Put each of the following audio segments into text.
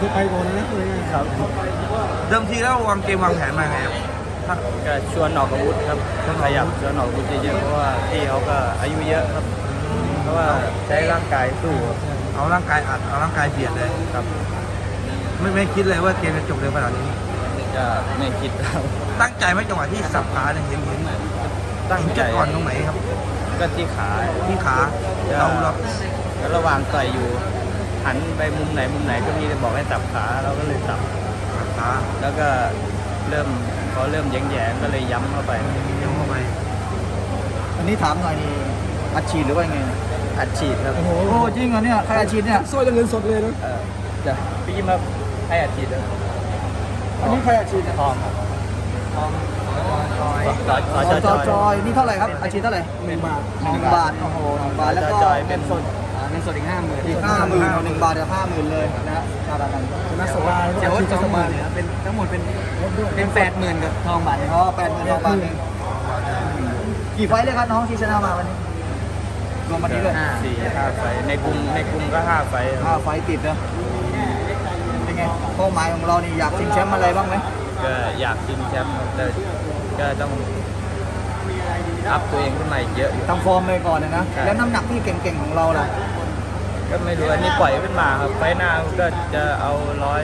ที่ไปก่อนนะครับเดิมทีแล้ววางเกมวางแผนมาไงครับก็ชวนออกอาวุธครับขยับชวนออกอาวุธเยอะๆเพราะว่าพี่เขาก็อายุเยอะครับเพราะว่าใช้ร่างกายสู้ครับเอาร่างกายอัดเอาร่างกายเบียดเลยครับไม่คิดเลยว่าเกมจะจบเร็วขนาดนี้จะไม่คิดครับตั้งใจไหมจังหวะที่สับขาเนี่ยเห็นตั้งใจจุดอ่อนตรงไหนครับก็ที่ขาที่ขาเราแล้วระหว่างต่อยอยู่หันไปมุมไหนก็มีแต่บอกให้สับขาเราก็เลยสับขาแล้วก็เริ่มเขาเริ่มแยงๆก็เลยย้ำเข้าไปเดี๋ยวเข้าไปอันนี้ถามหน่อยนี่อัดฉีดหรือว่าไงอัดฉีดครับโอ้โหโอ้จริงเหรอเนี่ยใครอัดฉีดเนี่ยสร้อยจะเงินสดเลยนะจะพี่มาให้อัดฉีดเลยอันนี้ใครอัดฉีดเนี่ยทองครับทองจอยนี่เท่าไหร่ครับอัดฉีดเท่าไหร่ 1 บาท 1 บาทโอ้โห1 บาทแล้วก็จอยเป็เงินนสดเงินสดอีก 50,000 อีก50,000 1 บาทเดี๋ยว50,000เลยนะฮะชาดากันชนะสบายเดี๋ยวชีจะสมาบายเนี่ยเป็นทั้งหมดเป็นรถด้วยเป็น80,000กับทองบาทอ๋อ80,000ทองบาทหนึ่งกี่ไฟล์เลยครับน้องที่ชนะมาวันนี้รวมวันนี้เลย 4-5 ไฟในกลุ่มก็5 ไฟครับ 5 ไฟล์ติดนะเป็นไงเป้าหมายของเรานี่อยากชิงแชมป์อะไรบ้างไหมก็อยากชิงแชมป์ครับแต่ก็ต้องอัพตัวเองขึ้นมาอีกเยอะอยู่ทำฟอร์มไปก่อนนะแล้วน้ำหนักที่เก่งๆของเราล่ะก็ไม่รู้อันนี้ปล่อยขึ้นมาครับไฟหน้าก็จะเอา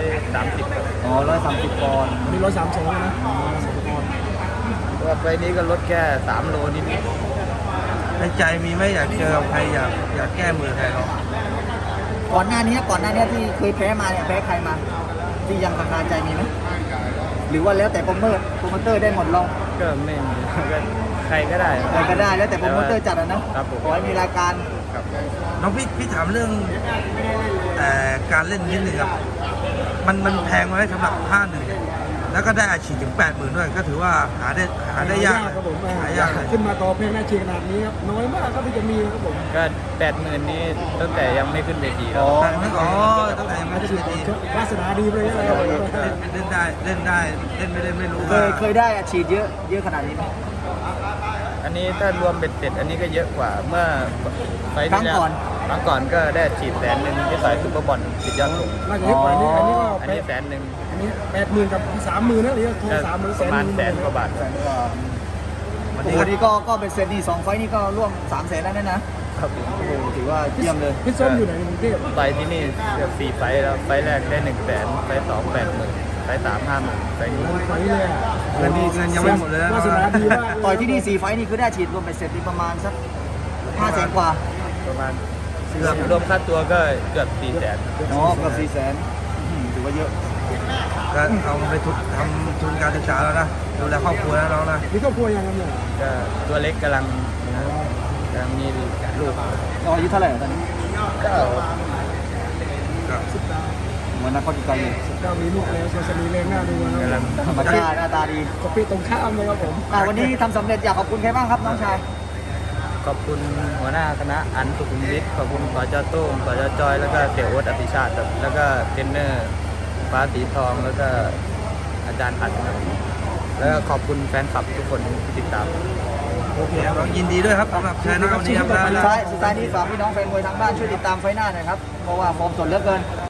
130ครับอ๋อ130 ปอนด์มี132นะตัวไฟนี้ก็ลดแค่3 โลนิดในใจมีไหมอยากเจอกับใครอยากแก้มือใครเขาก่อนหน้านี้ที่เคยแพ้มาเนี่ยแพ้ใครมา ที่ยังคาใจมีไหมหรือว่าแล้วแต่โปรโมเตอร์ได้หมดเราก็ไม่มีก็ใครก็ได้ใครก็ได้แล้วแต่โปรโมเตอร์จัดนะครับผมขอให้มีรายการครับน้องพี่ถามเรื่องการเล่นนิดนึงครับมันแพงไหมสำหรับ5-1เนี่ยแล้วก็ได้อาชีพถึง 80,000ด้วยก็ถือว่าหาได้ยากครับผมหายากเลยขึ้นมาต่อเพลงหน้าเชียร์ขนาดนี้ครับน้อยมากครับที่จะมีครับผมก็80,000นี้ตั้งแต่ยังไม่ขึ้นเวทีครับแต่ไม่อ๋อตั้งแต่ยังไม่ได้เชียร์ทีวาสนาดีไปเลยนะครับเล่นได้เล่นไม่ได้ไม่รู้เคยได้อาชีพเยอะขนาดนี้ไหมอันนี้ถ้ารวมเบ็ดเสร็จอันนี้ก็เยอะกว่าเมื่อไฟล์ครั้งที่แล้วก่อนครั้งก่อนก็ได้ฉีด100,000ที่ต่อยซุปเปอร์บอลติดยอดสูงน่าจะเยอะกว่านี้อันนี้ก็อันแปนี้ด 100,000 อันนี้80,000กับ30,000นะหรือทอง30,000 ประมาณ100,000 กว่าบาทวันโอ้นี้โหก็นี่ก็เป็นเซตนี่2 ไฟล์นี่ก็ร่วม300,000แล้วนะครับผมโอ้โหถือว่าเยี่ยมเลยพี่ส้มอยู่ไหนในกรุงเทพไปที่นี่เกือบ4 ไฟล์แล้วไฟล์แรกได้100,000ไฟล์2 80,000ไฟล์3 50,000ไฟล์นี้ไฟเลยอ่ะเงินยังไม่หมดเลยนะวาสนาดีมากต่อยที่นี่4 ไฟล์นี่คือได้อาชีพรวมเป็นเสร็จนี่ประมาณสัก500,000 กว่าประมาณรวมค่าตัวก็เกือบ400,000 อ๋อเกือบ400,000ถือว่าเยอะก็เอาไปทำทุนการศึกษาแล้วนะดูแลครอบครัวแล้วน้องนะมีครอบครัวยังครับเนี่ยก็ตัวเล็กกำลังมีลูกเราอายุเท่าไหร่ตอนนี้ก็เหมือนนักข้อจิตใจอยู่ก็มีลูกแล้วส่วนสมีแรงหน้าดูนะกำลังธรรมชาติหน้าตาดีก็ปีตรงข้ามเลยครับผมวันนี้ทำสำเร็จอยากขอบคุณใครบ้างครับน้องชายขอบคุณหัวหน้าคณะอันสุขุมวิทขอบคุณสจโต้งสจจอยแล้วก็เสี่ยโอ๊ตอภิชาติครับแล้วก็เทรนเนอร์ฟ้าสีทองแล้วก็อาจารย์อัดครับแล้วก็ขอบคุณแฟนคลับทุกคนที่ติดตามโอเคครับยินดีด้วยครับสำหรับชนะวันนี้ครับสุดท้ายนี้ฝากพี่น้องแฟนมวยทางบ้านช่วยติดตามไฟหน้าหน่อยครับเพราะว่าฟอร์มสดเหลือเกิน